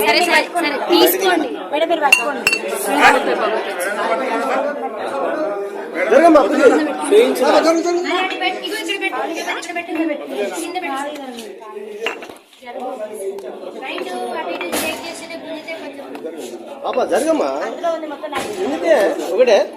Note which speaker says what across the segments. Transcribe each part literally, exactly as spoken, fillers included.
Speaker 1: సరే సరే సరే తీసుకోండి మేడం మీరు పట్టుకోండి
Speaker 2: జరగమ్మా ఒకటే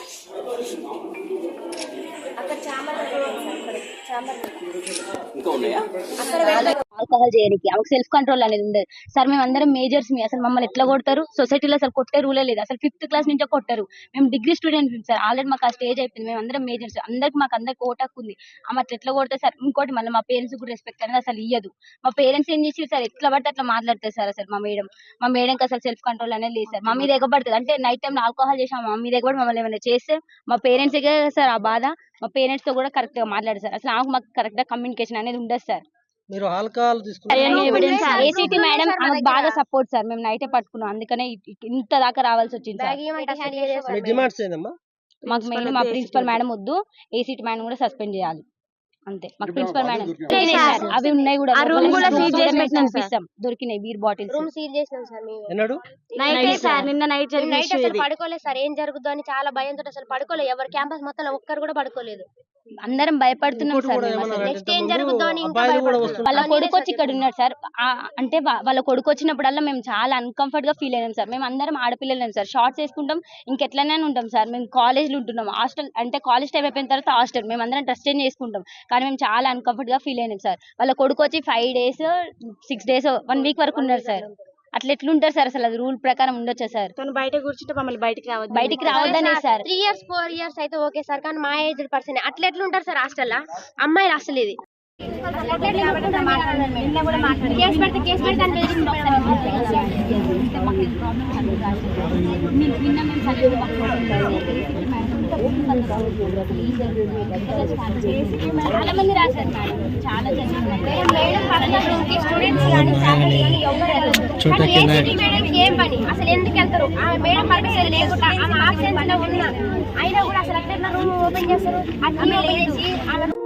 Speaker 3: ఆల్కహాల్ చేయడానికి ఆమెకు సెల్ఫ్ కంట్రోల్ అనేది ఉండదు సార్. మేము అందరం మేజర్స్ మీ అసలు మమ్మల్ని ఎట్లా కొడతారు? సొసైటీలో అసలు కొట్టే రూలే లేదు. అసలు ఫిఫ్త్ క్లాస్ నుంచే కొట్టారు. మేము డిగ్రీ స్టూడెంట్స్ సార్. ఆల్రెడీ మాకు ఆ స్టేజ్ అయిపోయింది. మేము అందరం మేజర్స్. అందరికి మాకు అందరికి ఓటాకు ఉంది. ఆమె అట్లా ఎట్లా కొడతారు సార్? ఇంకోటి మళ్ళీ మా పేరెంట్స్ కూడా రెస్పెక్ట్ అనేది అసలు ఇయ్యదు. మా పేరెంట్స్ ఏం చేసి సార్ ఎట్లా పడితే అట్లా మాట్లాడతారు సార్. అసలు మా మేడం మా మేడంకి అసలు సెల్ఫ్ కంట్రోల్ అనేది లేదు సార్. మా మీద ఎగబడుతుంది అంటే నైట్ టైం ఆల్కహాల్ చేసాం మా మీద ఎగబడి మమ్మల్ని ఏమైనా చేస్తే మా పేరెంట్స్ సార్ ఆ బాధ. మా పేరెంట్స్ తో కూడా కరెక్ట్ గా మాట్లాడారు సార్. అసలు ఆమెకు మాకు కరెక్ట్ గా కమ్యూనికేషన్ అనేది ఉండదు సార్.
Speaker 2: మీరు ఆల్కహాల్
Speaker 3: ఏసీటీ మేడం ఆమెకు బాగా సపోర్ట్ సార్. మేము నైటే పట్టుకున్నాం అందుకనే ఇంత దాకా రావాల్సి వచ్చింది సార్.
Speaker 2: డిమాండ్స్ ఏందమ్మా?
Speaker 3: మాకు మెయిన్ మా ప్రిన్సిపల్ మేడం వద్దు, ఏసీటీ మేడం కూడా సస్పెండ్ చేయాలి అంతే. మాకు ప్రిన్సిపల్ మేడం అవి ఉన్నాయి కూడా దొరికినాయి బీర్ బాటిల్స్
Speaker 1: రూమ్ సీల్ చేసినాం సార్ మేము.
Speaker 2: ఎన్నడు
Speaker 3: నైట్ సార్ నిన్న నైట్
Speaker 1: నైట్ అసలు పడుకోలేదు సార్. ఏం జరుగుతుందో అని చాలా భయంతో అసలు పడుకోలేదు. ఎవరు క్యాంపస్ మొత్తం ఒక్కరు కూడా పడుకోలేదు.
Speaker 3: అందరం భయపడుతున్నాం సార్.
Speaker 1: నెక్స్ట్ ఏం జరుగుతుందో అని ఇంకా
Speaker 3: వాళ్ళ కొడుకు వచ్చి ఇక్కడ ఉన్నాడు సార్. అంటే వాళ్ళ కొడుకు వచ్చినప్పుడల్లా మేము చాలా అన్కంఫర్ట్ గా ఫీల్ అయినాం సార్. మేము అందరం ఆడపిల్లలేం సార్. షార్ట్స్ వేసుకుంటాం ఇంకెట్లనే ఉంటాం సార్. మేము కాలేజ్ లో ఉంటున్నాం. హాస్టల్ అంటే కాలేజ్ టైం అయిపోయిన తర్వాత హాస్టల్ మేము అందరం డ్రెస్ చేంజ్ చేసుకుంటాం. కానీ మేము చాలా అన్కంఫర్ట్ గా ఫీల్ అయినాం సార్. వాళ్ళ కొడుకు వచ్చి five days six days one week వరకు ఉన్నారు సార్. అట్లా ఎట్లుంటారు సార్? అసలు అది రూల్ ప్రకారం ఉండొచ్చా సార్?
Speaker 1: బయట కూర్చుంటే మమ్మల్ని బయటకి రావద్దు
Speaker 3: బయటికి రావద్దనే sir.
Speaker 1: Three years four years అయితే ఓకే సార్. కానీ మా ఏజ్ పర్సన్ అట్లా ఎట్లుంటారు సార్ హాస్టల్ అమ్మాయిలు అసలు ఇది కేసు పెడితే కేసు పెడితే
Speaker 3: చాలా మంది రాశారు మేడం. చాలా
Speaker 1: ఏం పని అసలు ఎందుకు వెళ్తారు? మేడం పర్మిషన్ లేకుండా ఆమె ఆబ్సెన్స్ లో ఉన్నా అయినా కూడా అసలు అట్లా రూమ్ ఓపెన్ చేస్తారు. అట్లా